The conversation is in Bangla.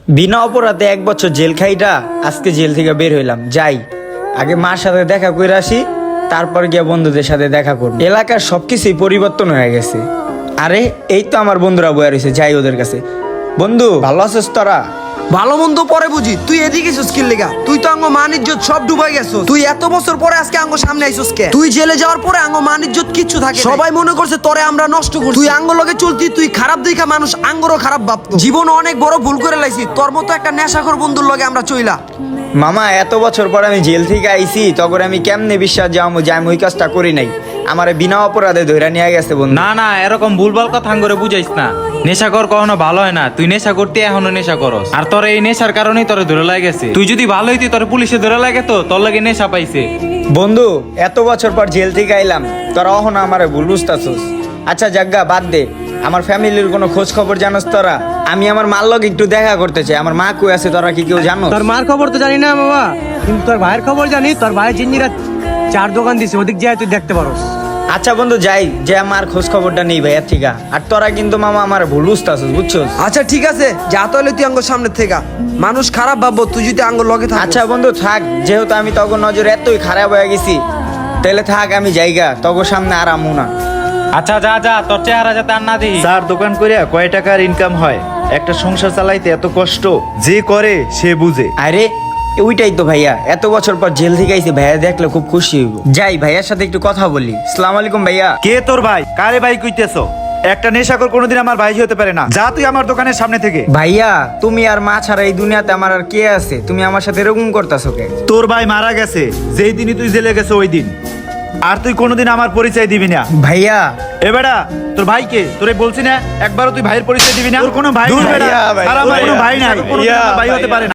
বিনা অপরাধে 1 বছর জেল খাইটা আজকে জেল থেকে বের হইলাম। যাই আগে মার সাথে দেখা করে আসি, তারপর গিয়ে বন্ধুদের সাথে দেখা করব। এলাকার সবকিছুই পরিবর্তন হয়ে গেছে। আরে এই তো আমার বন্ধুরা বয়ে রয়েছে, যাই ওদের কাছে। বন্ধু ভালো আছিস তোরা? ভালো মন্দ পরে বুঝি, তুই এদিকে এসেছিস কি লেগা? তুই তো আঙ্গ মান ইজ্জত সব ডুবাই গেছিস। তুই এত বছর পরে আজকে আঙ্গ সামনে আইছিস কে? তুই জেলে যাওয়ার পরে আঙ্গ মান ইজ্জত কিচ্ছু থাকে, সবাই মনে করছে তোরে আমরা নষ্ট করছি। তুই আঙ্গ লগে চলতি, তুই খারাপ দেখা মানুষ আঙ্গরও খারাপ ভাবতো। জীবন অনেক বড় ভুল করে লাইছি, তোর মতো একটা নেশাখোর বন্ধুর লগে আমরা চইলা। মামা এত বছর পর আমি জেল থেকে আইছি, তখন আমি কেমনে বিশ্বাস যাবো যে আমি ওই কাজটা করি নাই? আমারে বিনা অপরাধে ধইরা নিয়ে গেছে বন্ধু। না না, এরকম ভুলভাল কথা করে বুঝাইস না। নেশা কর কখনো ভালো হয় না। তুই নেশা করতে এখনো নেশা করস, আর তোর এই নেশার কারণেই তোরে ধরে লাগেছে। তুই যদি ভালো হইতি তোর পুলিশে ধরে লাগে তো তোর লাগে নেশা পাইছে। বন্ধু এত বছর পর জেল থেকে আইলাম, তোরা অহনো আমারে ভুল বুঝতাছস। আচ্ছা জাগ্গা বাদ দে, আমার ফ্যামিলির কোনো খোঁজ খবর জানোস তোরা? আমি আমার মার লগে একটু দেখা করতে চাই। আমার মা কই আছে তোরা কি কেউ জানো? তোর মার খবর তো জানি না বাবা, কিন্তু তোর ভাইয়ের খবর জানি। তোর ভাই জিন্দিরা 4 দোকান দিছে, ওদিক যায় তুই দেখতে পারোস। আচ্ছা বন্ধু যাই, যে আমার খোঁজ খবরটা নেই ভাইয়া ঠিক। আর তোরা কিন্তু মামা আমার ভুল বুঝতাছস, বুঝছস? আচ্ছা ঠিক আছে, যা তাহলে তুই আঙ্গ সামনে থেকে। মানুষ খারাপ ভাববো তুই যদি আঙ্গ লগে থাক। আচ্ছা বন্ধু থাক, যেহেতু আমি তখন নজর এতই খারাপ হয়ে গেছি, তাহলে থাক আমি জায়গা তখন সামনে আর আমু না। আচ্ছা যা যা, তোর চেহারা যাতে আর না দিই। চার দোকান করিয়া কয় টাকার ইনকাম হয়? একটা সংসার চালাইতে এত কষ্ট যে করে সে বুঝে। আরে ওইটাই তো ভাইয়া, এত বছর পর জেল থেকে আইছি, ভাইয়া দেখলে খুব খুশি হইব। যাই ভাইয়ার সাথে একটু কথা বলি। আসসালামু আলাইকুম ভাইয়া। কে তোর ভাই? কারে ভাই কইতেছো? একটা নেশাখোর কোনোদিন আমার ভাই হতে পারে না। যা তুই আমার দোকানের সামনে থেকে। ভাইয়া তুমি আর মা ছাড়া এই দুনিয়াতে আমার আর কে আছে? তুমি আমার সাথে এরকম করতেছো কে? তোর ভাই মারা গেছে যেই দিনই তুই জেলে গেছে ওই দিন, আর তুই কোনোদিন আমার পরিচয় দিবি না। ভাইয়া এ বেটা, তোর ভাইকে তোরে বলছি না একবারও তুই ভাইয়ের পরিচয় দিবি না? তোর কোনো ভাই দূর নাই। ভাইয়া, ভাই, আর আমার কোনো ভাইয়া, ভাই নাই, কোনোদিন ভাইয়া, আমার ভাই হতে ভাইয়া। পারে না।